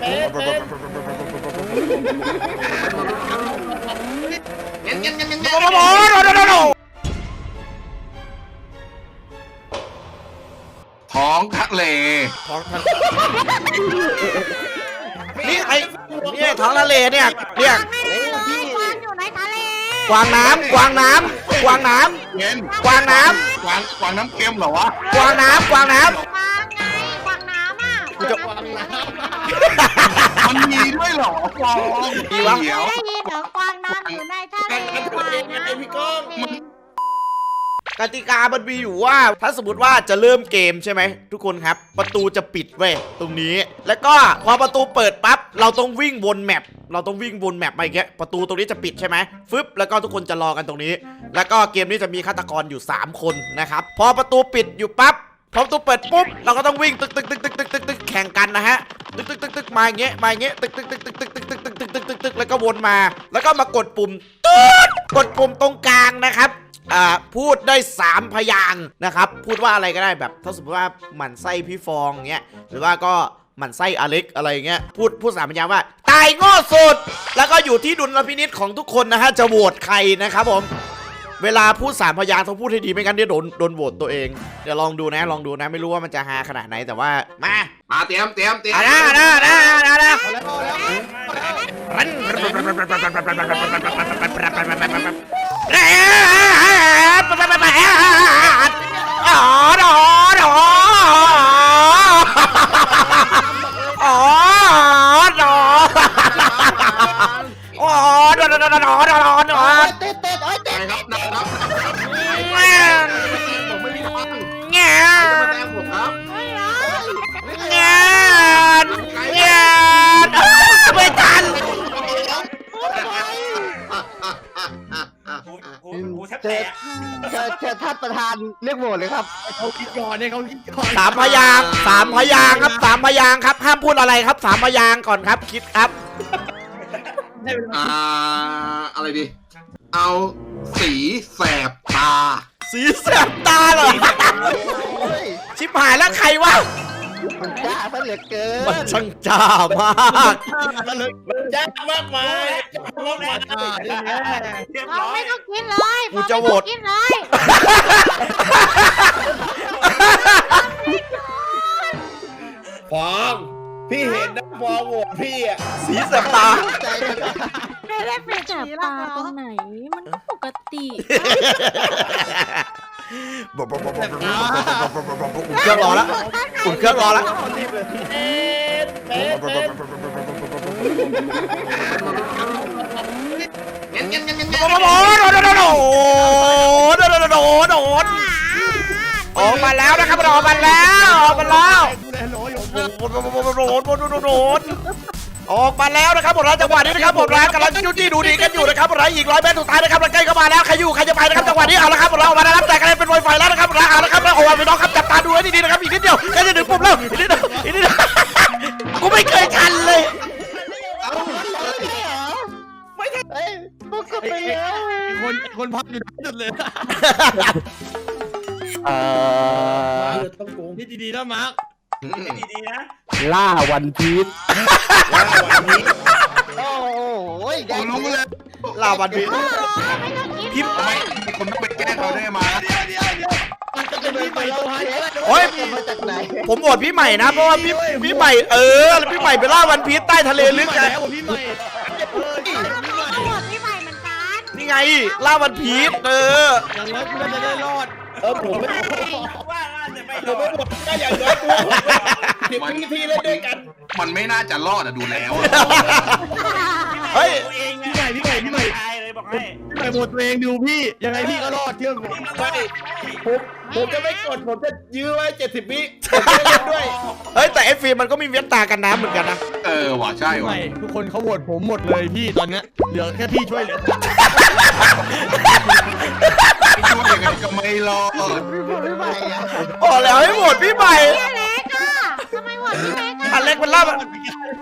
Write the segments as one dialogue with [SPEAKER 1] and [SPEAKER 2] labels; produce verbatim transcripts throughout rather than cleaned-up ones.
[SPEAKER 1] ท้องทะเล
[SPEAKER 2] ท้องทะเลนี่ไอ้นี่ท้องทะเลเนี่ยเนี่ยกวางน้ำกวางน้ำกวางน้ำ
[SPEAKER 1] เย็น
[SPEAKER 2] กวางน้ำ
[SPEAKER 1] กวางกวางน้ำเค็มเหรอวะ
[SPEAKER 2] กวางน้ำกวางน้ำ
[SPEAKER 3] กวางไงกวางน้ำอ่ะ
[SPEAKER 2] กูจะ
[SPEAKER 1] มันมีด้วยเหรอกวาง
[SPEAKER 2] มีวะ
[SPEAKER 1] เดี๋ยว
[SPEAKER 3] ได้ยินเหรอกวางน้ำอยู่ในทะเลกวางน้ำพี่ก้อง
[SPEAKER 2] กติกามันมีอยู่ว่าถ้าสมมติว่าจะเริ่มเกมใช่ไหมทุกคนครับประตูจะปิดเว้ยตรงนี้แล้วก็พอประตูเปิดปั๊บเราต้องวิ่งวนแมปเราต้องวิ่งวนแมปไปอย่างเงี้ยประตูตรงนี้จะปิดใช่ไหมฟึบแล้วก็ทุกคนจะรอกันตรงนี้แล้วก็เกมนี้จะมีฆาตกรอยู่สามคนนะครับพอประตูปิดอยู่ปั๊บพอประตูเปิดปุ๊บเราก็ต้องวิ่งตึกตึกตึกตึกตึกตึกตึกแข่งกันนะฮะตึกตึกตึกตึกมาอย่างเงี้ยมาอย่างเงี้ยตึกตึกตึกตึกตึกตึกตึกตึกตึกตึกตึกตึกแล้วก็วนมาแล้วก็มากดปุ่มตึ๊ดกดปุ่มตรงกลางนะครับอ่าพูดได้สามพยางค์นะครับพูดว่าอะไรก็ได้แบบถ้าสมมติว่าหมั่นไส้พี่ฟองเงี้ยหรือว่าก็หมั่นไส้อเล็กอะไรเงี้ยพูดพูดสามพยางค์ว่าตายโง่สุดแล้วก็อยู่ที่ดุลพินิจของทุกคนนะฮะจะโหวตใครนะครับผมเวลาพูดสามพยางค์ต้องพูดให้ดีไม่งั้นเดี๋ยวโดนโดนโหวตตัวเองเดี๋ยวลองดูนะลองดูนะไม่รู้ว่ามันจะฮาขนาดไหนแต่ว่ามา
[SPEAKER 1] มาเตรียมเตรียมเตรียม
[SPEAKER 2] อ่ะนะนะนะนะนะรันอ๋อดอดออ๋อดออ๋อดอดอดอดอดอดอดอ
[SPEAKER 3] เต้นเต้นเอ้ยเต้น
[SPEAKER 1] ครับนะครับผมไม่มีฟัง
[SPEAKER 2] เงี้ย
[SPEAKER 1] จะมาแซงผมครับ
[SPEAKER 2] เงี้ยเงี้ยไม่ทัน
[SPEAKER 4] เจอเจอเจอท่านประธานเรียกโหวตเลยครับเขาคิดก่อนเนี่ยเขาคิดก่อน
[SPEAKER 2] สามพยางสามพยางครับสามพยางครับห้ามพูดอะไรครับสามพยางก่อนครับคิดครับ
[SPEAKER 1] อ่าอะไรดีเอาสีแสบตา
[SPEAKER 2] สีแสบตาเหรอชิบหายแล้วใครวะ
[SPEAKER 4] มันจ้าซะเหลือเกิน
[SPEAKER 2] มันช่างจ้ามาก
[SPEAKER 5] ยากมากมายมากมาย
[SPEAKER 3] เราไม่ต้องกินเลย
[SPEAKER 2] กูจะโหวต
[SPEAKER 3] กินเลย
[SPEAKER 5] ฟองพี่เห็นนะฟองโหวตพี่อ่ะ
[SPEAKER 2] สีแสบตา
[SPEAKER 4] ใจเลยนะ
[SPEAKER 3] ไม่ได้เป็น
[SPEAKER 6] แสบตาตรงไหนมันก็ปกติ
[SPEAKER 2] อุ่นเครื่องรอแล้วอุ่นเครื่องรอแล้ว
[SPEAKER 5] เอ๊ะเป๊ะเป๊ะ
[SPEAKER 1] เงี้ยเงี้ยเงี้ยเงี้ย
[SPEAKER 2] โดนโดนโดนโดนโดนโดนโดนโดนออกมาแล้วนะครับออกมาแล้วออกมาแล้วโดนโดนโดนโดนโดนออกมาแล้วนะครับผมจังหวะนี้นะครับผมกำลังจู้จี้ดูดีกันอยู่นะครับผมอีกร้อยเมตรสุดท้ายนะครับใกล้เข้ามาแล้วใครอยู่ใครจะไปนะครับจังหวะนี้เอาละครับเรามาแล้วแต่กันเป็นไวไฟแล้วนะครับเอาละครับโอ้ยพี่น้องครับจับตาดูให้ดีๆนะครับอีกนิดเดียวใกล้จะถึงปุ่มแล้วอีกนิดเดียวอีกนิดเดียวกูไม่เคยทันเลย
[SPEAKER 4] เฮ้ยพวกก็ไปแล้ว
[SPEAKER 7] คนคนพักอยู่สุดเลย
[SPEAKER 4] เอ่อ
[SPEAKER 5] ต้องโกง
[SPEAKER 7] นี่ดีๆนะมาร์ค
[SPEAKER 5] ดีๆนะ
[SPEAKER 4] ล่าวันพีช
[SPEAKER 5] ว่าวันนี้
[SPEAKER 4] โอ้โห
[SPEAKER 1] ผมรู้เลย
[SPEAKER 2] ลาวันพี
[SPEAKER 3] ไม่ต้องกิน
[SPEAKER 2] พิม
[SPEAKER 1] ทำไมมีคนต้องไปแกล้งเราได้มา
[SPEAKER 7] มันจะเป็นไปตัวให้
[SPEAKER 2] โอ้ย
[SPEAKER 4] มาจากไหน
[SPEAKER 2] ผมโหวตพี่ใหม่นะเพราะว่าพี่พี่ใหม่เออแล้วพี่ใหม่ไปล่าวันพีชใต้ทะเลลึกไง
[SPEAKER 7] แล้วพี่ใหม่
[SPEAKER 3] เราหมดพี่ใหม่เหมือนกัน
[SPEAKER 2] นี่ไงล่าวันพีชเออ
[SPEAKER 7] อย่างน้อยกูจะได้รอด
[SPEAKER 5] เออผมไม่ว่าจะไม่ผมไม่หมดก็อย่างน้อยกูสิบวิธีเล่นด้วยกัน
[SPEAKER 1] มันไม่น่าจะรอดอะดูแล้ว
[SPEAKER 2] เฮ้ย
[SPEAKER 7] พี่ใหม่พี่ใหม่พี่ใหม่
[SPEAKER 5] เลยบอกให้
[SPEAKER 7] พี่ใหม่หมดตัวเองดูพี่ยังไงพี่ก็รอดเชื่อผม
[SPEAKER 5] ไม่ผมผมจะไม่กดผมจะยื้อไว้เจ็ดสิบวิผมจะเล่นด้วย
[SPEAKER 2] เฮ้ยแต่ไอ้ฟิล์มมันก็มีเวียนตากันน้ำเหมือนกันนะ
[SPEAKER 1] เออว่ะใช่
[SPEAKER 7] พี่ให
[SPEAKER 1] ว่ะ
[SPEAKER 7] ม่ทุกคนเขาโหวตผมหมดเลยพี่ตอนเนี้ยเหลือแค่พี่ช่วยเหลือ
[SPEAKER 1] ไม่ช่วยยังไงก็ไม่รอด
[SPEAKER 4] ไม่ไหวอ่ะ
[SPEAKER 2] โอ้แล้วให้โหวตพี่ใหม่
[SPEAKER 3] พี่เล็กอ่ะทำไมหมดพี่เล็กอ่ะ
[SPEAKER 2] อันเล็กมันล่ามัน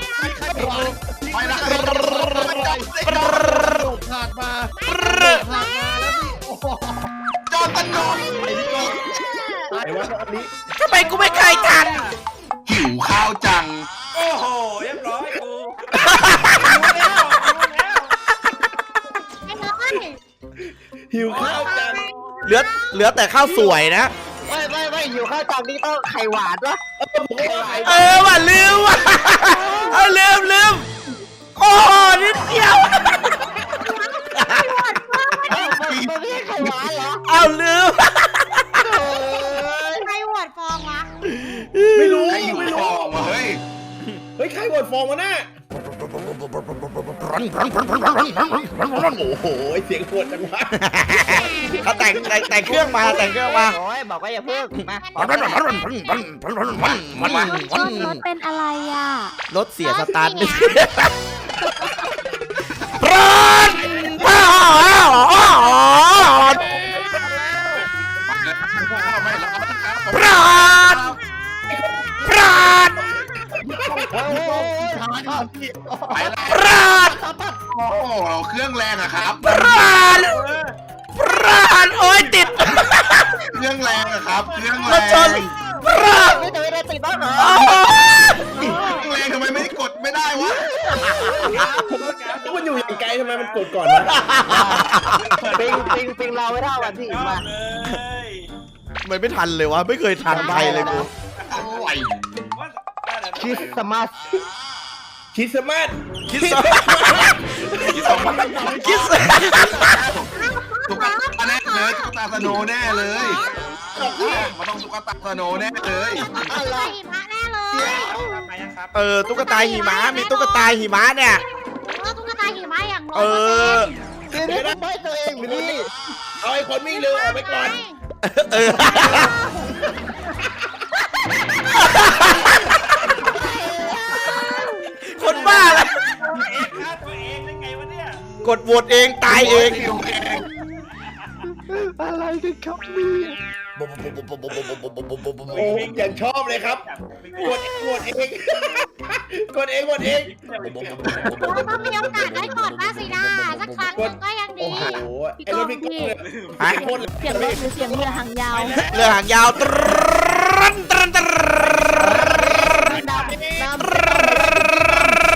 [SPEAKER 1] ไปละ
[SPEAKER 7] ขาดมาขาดมาแล้วพี่โอ้โห
[SPEAKER 1] จอตันนอน
[SPEAKER 5] ไอ้ว่าตอนนี้
[SPEAKER 2] ทำไมกูไม่เคยทัน
[SPEAKER 1] หิวข้าวจัง
[SPEAKER 5] โอ้โหเรียบร้อยกู
[SPEAKER 3] ไอ้น้อย
[SPEAKER 5] หิวข้าวจัง
[SPEAKER 2] เหลือเหลือแต่ข้าวสวยนะ
[SPEAKER 4] ไม่ไม่ไม่อยู่ข้าวจานนี้ต้องไข่หวานวะ
[SPEAKER 2] เออว่ะลืมว่ะเออลืมลืมโอ้นิดเดียว
[SPEAKER 4] เอ้ามันมันไม่ใช่ไข่หวานเหรอ
[SPEAKER 2] เอาลืม
[SPEAKER 3] ใครโหวตฟองวะ
[SPEAKER 5] ไม่รู้
[SPEAKER 1] ไอ้หิว
[SPEAKER 5] ไม่
[SPEAKER 1] ท
[SPEAKER 5] รู้
[SPEAKER 1] องว่ะเฮ้ย
[SPEAKER 5] เฮ้ยใครโหวตฟองวะน่ะโอ้โหเสียงโหดจังวะ
[SPEAKER 2] เขาแต่งแต่งแต่งเครื่องมาแต่งเครื่องมา
[SPEAKER 4] โอ้ยบอกว่าอย่าเพิ่งมา
[SPEAKER 1] มันมา
[SPEAKER 6] รถรถเป็นอะไรอ่ะ
[SPEAKER 2] รถเสียสตาร์ทไม่
[SPEAKER 3] เสีย
[SPEAKER 2] ร้อนร้อน
[SPEAKER 1] ไม่รับนะครับ
[SPEAKER 2] ร้อนร้อน
[SPEAKER 4] โอ้ย
[SPEAKER 1] ไปละ
[SPEAKER 2] ร้อน
[SPEAKER 1] โอ้โหเครื่องแรงอะครับ
[SPEAKER 2] ร้อนร้อนโอ้ยติด
[SPEAKER 1] เครื่องแรงอะครับเครื่อง
[SPEAKER 2] ร
[SPEAKER 1] แร
[SPEAKER 2] ถชน
[SPEAKER 1] ง
[SPEAKER 2] ร้อน
[SPEAKER 4] ไม่ได้ไม่ได้ติดบ้างเหรอ
[SPEAKER 2] โอ้ย
[SPEAKER 1] เครื่องแรงทำไมไม่กดไม่ได้วะ
[SPEAKER 5] มันอยู่อย่างไกลทำไมมันกดก่อนวะ
[SPEAKER 4] ปิงปิงปิงเราไม่เท่ากันพี่มา
[SPEAKER 2] ไม่ไม่ทันเลยวะไม่เคยทันใครเลยกู
[SPEAKER 1] โอ้ย
[SPEAKER 4] คริสต์มาส
[SPEAKER 5] คริสต์มาส
[SPEAKER 2] คิดส
[SPEAKER 1] ที่สองมัน
[SPEAKER 2] คิดส
[SPEAKER 1] ตุ๊กตาแน่เลยตุ๊กตาสโนว์แน่เลยมันต้องตุ๊กตาสโนว์แน่เลย
[SPEAKER 3] ใส่หิมะแน่เลย
[SPEAKER 2] เออตุ๊กตาหิมะมีตุ๊กตาหิมะเนี่ย
[SPEAKER 3] เออตุ๊กตาหิมะอย่างร้
[SPEAKER 2] เอ
[SPEAKER 3] อยเปอร์เซ็นต์
[SPEAKER 2] อ
[SPEAKER 4] เดี๋ยวนี้ทำไมตัวเองหรือนี่
[SPEAKER 5] เอาไอ้คนวิ่งเร็วออกไปก่อน
[SPEAKER 2] เออ คนบ้าแล้วกดโหวตเองตายเอง
[SPEAKER 4] อะไรกันครับนี่
[SPEAKER 5] โอ้ยอย่างชอบเลยครับ กดกดเอง กดเองกดเอง
[SPEAKER 3] เราต้องมีโอกาสได้กดบ้างสินะสักครั้งหนึ่งก็ยังดี
[SPEAKER 5] โอ้โหไอ้รถพี่ก้องเนี่ย
[SPEAKER 2] ฮะ
[SPEAKER 5] โคตร
[SPEAKER 6] เสียงรถหรือเสียงเรือหางยาว
[SPEAKER 2] เรือหางยาวตรันตรันตรัน
[SPEAKER 4] น้ำน้ำ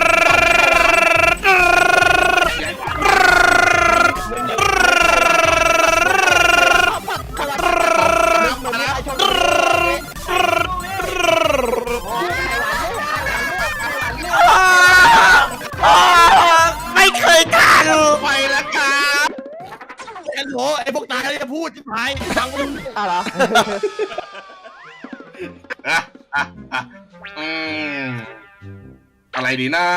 [SPEAKER 2] ไม่เคยทัน
[SPEAKER 1] ไปแล้วครับ
[SPEAKER 7] ไอ้โหไอ้พวกตายแล้วจะพูดที่หายฟังมึง
[SPEAKER 4] อ่ะเหรอ
[SPEAKER 1] อ่ะอ่ะอ่ะอืมอะไรดีนะ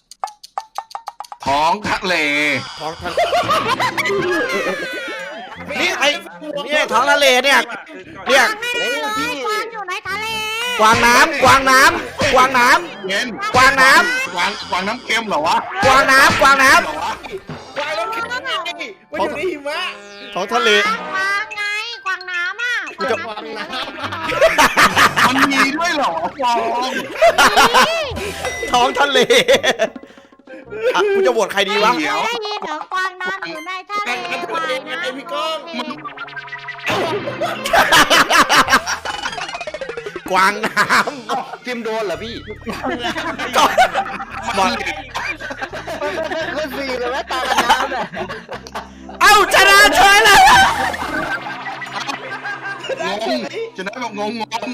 [SPEAKER 1] ท้องทะเล
[SPEAKER 2] ท้องทะเลนี่ไอ้นี่ไอ้ท้องทะเลเนี่ยเนี่ย
[SPEAKER 3] แน่เลยกวางอยู่ในทะเล
[SPEAKER 2] กวางน้ำกวางน้ำกวางน้
[SPEAKER 1] เย็น
[SPEAKER 2] ำกวางน้
[SPEAKER 1] กวางกวางน้ำเค็มเหรอวะ
[SPEAKER 2] ำกวางน้ำกวางน้
[SPEAKER 1] เหรอวะ
[SPEAKER 5] ควายรถแข่งไงมันอยู่ในหิมะ
[SPEAKER 2] ำท้องทะเล
[SPEAKER 3] กวางไงกวางน้ำอ่ะ
[SPEAKER 2] กูจะ
[SPEAKER 3] กวางน้ำ
[SPEAKER 1] มันมีด้วยเหรอฟอง
[SPEAKER 2] ท้องทะเลอ่ะกูจะโหวตใครดีวะ
[SPEAKER 3] ไม่ได้ยินเหรอกวางน้ำอยู่ในทะเลกวางน้ำ
[SPEAKER 5] ไอ้พี่ก้อง
[SPEAKER 2] กวางน้
[SPEAKER 4] จิมโดนเหรอพี่
[SPEAKER 2] ำก่อนบอก
[SPEAKER 4] ก็สี่เลยแม่ตาน้ำเนี่ย
[SPEAKER 2] เอ้าชนะเฉยเลย
[SPEAKER 1] งงจะได้บอกงงงง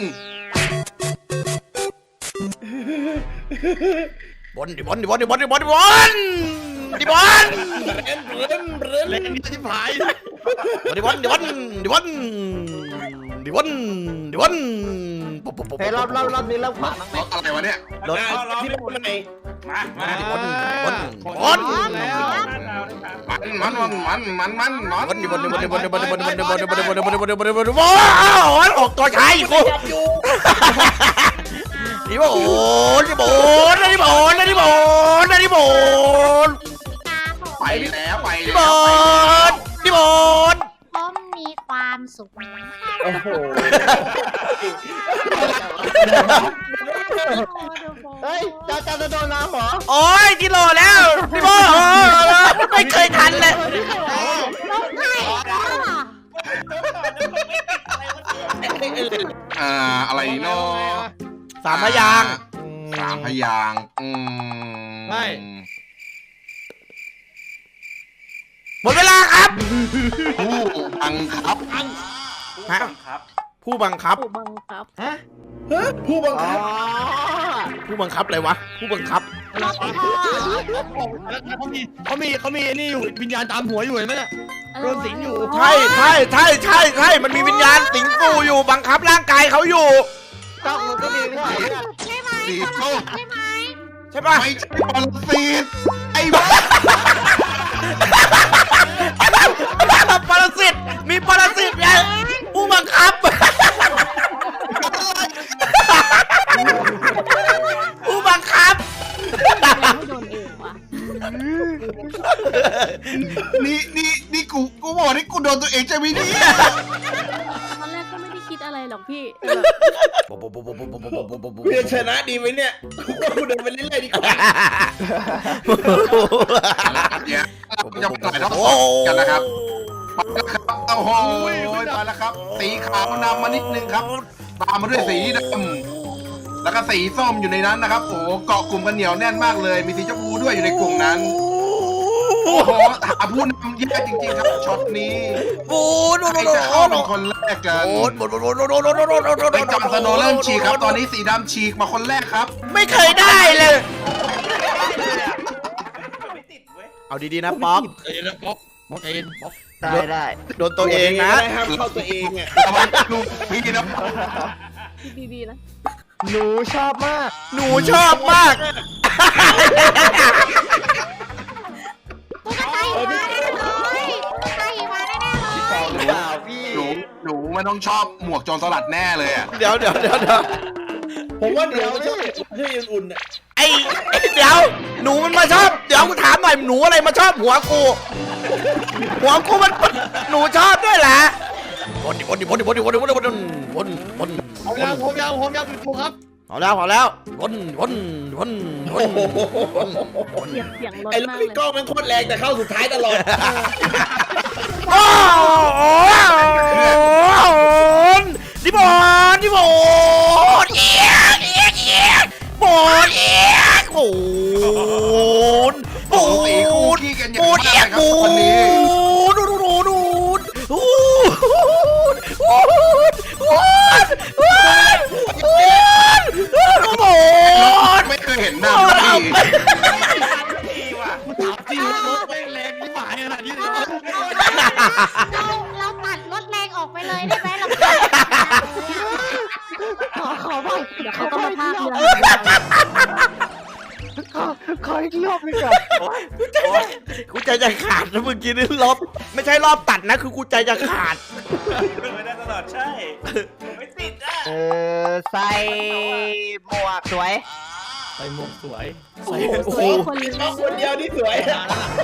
[SPEAKER 2] บอลดิบอลดิบอลดิบอลดิบอลดิบอลดิบอล
[SPEAKER 5] เบรนเบรนเบรน
[SPEAKER 7] เล่นที่หาย
[SPEAKER 2] ดิวันดิวันดิวันดิวันดิวัน
[SPEAKER 4] เฮ้ยรอบรอบรอบนี้เริ่มขวาบ้างไหม
[SPEAKER 1] รถอะไรวะเนี่ย
[SPEAKER 2] รถ
[SPEAKER 5] เอาเราที่พูดไหนมามา
[SPEAKER 2] ดิวันดิวัน
[SPEAKER 7] บอล
[SPEAKER 5] แล้ว
[SPEAKER 1] มันมันมันมันมันมัน
[SPEAKER 2] วันดิวันดิวันดิวันดิวันดิวันดิวันดิวันดิวันดิวันดิวันดิวันดิวันดิวันดิวันดิว้าวออกตัวชายกูดิบอนดิบอนดิบอนดิบอนดิบอน
[SPEAKER 1] ไปแล้วไป
[SPEAKER 2] ดิ
[SPEAKER 1] แล้
[SPEAKER 2] บ
[SPEAKER 1] ว
[SPEAKER 2] อนดิบอน
[SPEAKER 3] ผมมีความสุข
[SPEAKER 5] โอ้โห
[SPEAKER 4] เฮ้ยจะจะจะโดนน้ำเหรอ
[SPEAKER 2] โอ้ยกิโลแล้วดิบอนไม่เคยทันเลย
[SPEAKER 3] ลงไข่ก็
[SPEAKER 1] อ่าอะไรเนาะ
[SPEAKER 2] สามพยาง
[SPEAKER 1] สามพยางอืม
[SPEAKER 7] ไม่
[SPEAKER 2] หมดเวลาครับ
[SPEAKER 1] ผู้บังคับ
[SPEAKER 2] ฮะผู้บังคับ
[SPEAKER 6] ผู้บังคับ
[SPEAKER 4] ฮะ
[SPEAKER 5] ผู้บัง
[SPEAKER 4] อ๋อ
[SPEAKER 5] คับ
[SPEAKER 2] ผู้บังคับอะไรวะผู้บังคับ
[SPEAKER 3] รถพ่อ
[SPEAKER 7] เขามีเขามีเขามีนี่อยู่วิญญาณตามหัวอยู่เห็นไหมเนี่ยโดนสิงอยู่
[SPEAKER 2] ใช่ใช่ใช่ใช่ใช่มันมีวิญญาณสิงสู่อยู่บังคับร่างกายเขาอยู่
[SPEAKER 4] กล้องมันก็มีไม่ใช่เหรอ
[SPEAKER 3] ใช่ไหม
[SPEAKER 1] สีส้ม
[SPEAKER 3] ใช่ไหม
[SPEAKER 2] ใช่ปะ
[SPEAKER 1] ไม่ใช่บอลซีดไอ้บ้า
[SPEAKER 2] ปรสิตมีปรสิตไงผู้บังคับผู้บังคับ
[SPEAKER 6] ไม่โดนเองว่ะ
[SPEAKER 1] นี่นี่นี่กูกูบอกนี่กูโดนตัวเองใช่ไหมเนี่ย
[SPEAKER 6] ตอนแรกก็ไม่ได้คิดอะไรหรอกพี่
[SPEAKER 5] เพื่อชนะดีไหมเนี่ยกูเดินไปเรื่อยๆดีกว่า
[SPEAKER 1] เนี่ยจะปล่อยแล้วกันนะครับมาแล้วครับโอ้โหมาแล้วครับ สีขาวนำมานิดนึงครับ ตามมาด้วยสีดำแล้วก็สีส้มอยู่ในนั้นนะครับ โอ้โหเกาะกลุ่มกันเหนียวแน่นมากเลย มีสีชมพูด้วยอยู่ในกลุ่มนั้น โอ้โหหาผู้นำแย่จริงๆครับช็อตนี้
[SPEAKER 2] บูน
[SPEAKER 1] ใครจะเข้าเป็นคนแรกกัน
[SPEAKER 2] บูนบูนบูนบูนบูนบูนบูนบูน
[SPEAKER 1] ไปจอห์นสโนว์เริ่มฉีกครับ ตอนนี้สีดำฉีกมาคนแรกครับ
[SPEAKER 2] ไม่เคยได้เลย
[SPEAKER 5] ไม่ติดเว้ย
[SPEAKER 2] เอาดีๆนะป๊อก
[SPEAKER 7] เอ็นป๊อกป๊อกเอ็นป๊อก
[SPEAKER 4] ได้ได้
[SPEAKER 2] โดนตัวเองนะ
[SPEAKER 5] ห้ามเข้าตัวเองอ่ะ
[SPEAKER 1] ระวังลูกพี่นะ
[SPEAKER 6] ดีๆนะ
[SPEAKER 4] หนูชอบมาก
[SPEAKER 2] หนูชอบมาก
[SPEAKER 3] กูก็ใจมาแน่เลยใจมาแน่เลย
[SPEAKER 4] เปล่าพี่
[SPEAKER 1] หนูหนูมันต้องชอบหมวกโจรสลัดแน่เลยอ่ะ
[SPEAKER 2] เดี๋ยวเดี๋ยวเดี๋ยวเดี๋ยว
[SPEAKER 5] ผมว่าเดี๋ยวช่วยช่วยอุ่นๆอ่ะ
[SPEAKER 2] ไอ้เดี๋ยวหนูมันมาชอบเดี๋ยวกูถามหน่อยหนูอะไรมาชอบหัวกูหัวกูมันหนูชอบด้วยแหละวนดิวนดิวนดิวนดิวนดิวนดิวนดิวนวน
[SPEAKER 7] เอายางผมยางผมยางคุณครูครับ
[SPEAKER 2] เอาแล้วเอาแล้ววนวนวนวน
[SPEAKER 6] เสียงเสียงรถ
[SPEAKER 5] ไอ้ลู
[SPEAKER 6] มาก ก
[SPEAKER 5] พี่
[SPEAKER 6] เลย
[SPEAKER 5] ก้องมันโคตรแรงแต่เข้าสุดท้ายตลอด
[SPEAKER 2] โอ้โหดิบอนดิบอนเอียกเอียกเอียกบอนเอียกโอ้นปู
[SPEAKER 1] ตีคู่
[SPEAKER 2] น
[SPEAKER 1] ขี้กันอ
[SPEAKER 2] ปู
[SPEAKER 1] ย่าง
[SPEAKER 2] นเอี
[SPEAKER 1] มาย ก
[SPEAKER 2] ก
[SPEAKER 1] เลยครับ
[SPEAKER 2] ปู
[SPEAKER 1] วันนี้
[SPEAKER 2] นดูดูดูดูดูปูนปูนปูนปูนปูน
[SPEAKER 1] ไม่เคยเห็นหน้าพี่
[SPEAKER 7] ถามจริงรถแม่งแรงที่หมายขนาดนี้เลย
[SPEAKER 3] เราเราตัดรถแรงออกไปเลยได้ไหมเราตัด
[SPEAKER 4] ขอขอไป
[SPEAKER 6] เดี๋ยวเขาก็มาพากเรือ
[SPEAKER 4] ขอขออีกรอบหนึงก่อน
[SPEAKER 2] กูใจจะขาดนะเมื่อกี้นี่รอบไม่ใช่รอบตัดนะคือกูใจจะขาด
[SPEAKER 5] ไม่ได้ตลอดใช่ไม่ติดอ่ะ
[SPEAKER 4] เออใส่หมวกสวย
[SPEAKER 7] ใส่หมวกสวย
[SPEAKER 6] โอ้โหสวยคนเลย
[SPEAKER 5] ก้องคนเดียวที่สวยอ่ะ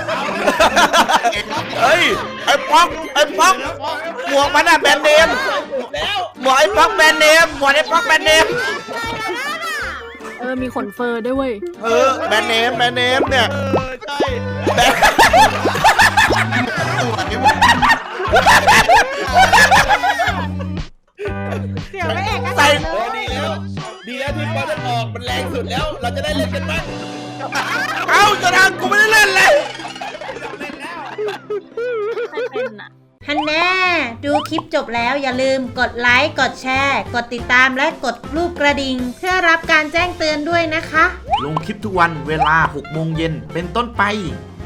[SPEAKER 2] เฮ้ยไอ้ป๊อกไอ้ป๊อกหมวกมันอะแบรนด์เนม
[SPEAKER 5] แล้ว
[SPEAKER 2] หมวกไอ้ป๊อกแบรนด์เนมหมวกไอ้ป๊อกแบรนด์เนม
[SPEAKER 6] เออมีขนเฟอร์ด้วยเว้ย
[SPEAKER 2] เออแบรนด์เนมแบรนด์เนมเนี่ย
[SPEAKER 7] เออใช่
[SPEAKER 2] แบรนด์
[SPEAKER 1] ตัวนี้
[SPEAKER 3] เสียวไม่เอกก็
[SPEAKER 2] ใส่
[SPEAKER 5] เออดีแล้วดีแล้วที่บอลมันออกมันแรงสุดแล้ว เราจะได้เล่นกันบ้าง
[SPEAKER 2] เอ้าจะทางกูไม่ได้เล่นเลย
[SPEAKER 6] ใครเป็นอ่ะ
[SPEAKER 8] ฮันแน่ดูคลิปจบแล้วอย่าลืมกดไลค์ กดแชร์ กดติดตามและกดรูปกระดิ่งเพื่อรับการแจ้งเตือนด้วยนะคะ
[SPEAKER 2] ลงคลิปทุกวันเวลาหกโมงเย็นเป็นต้นไป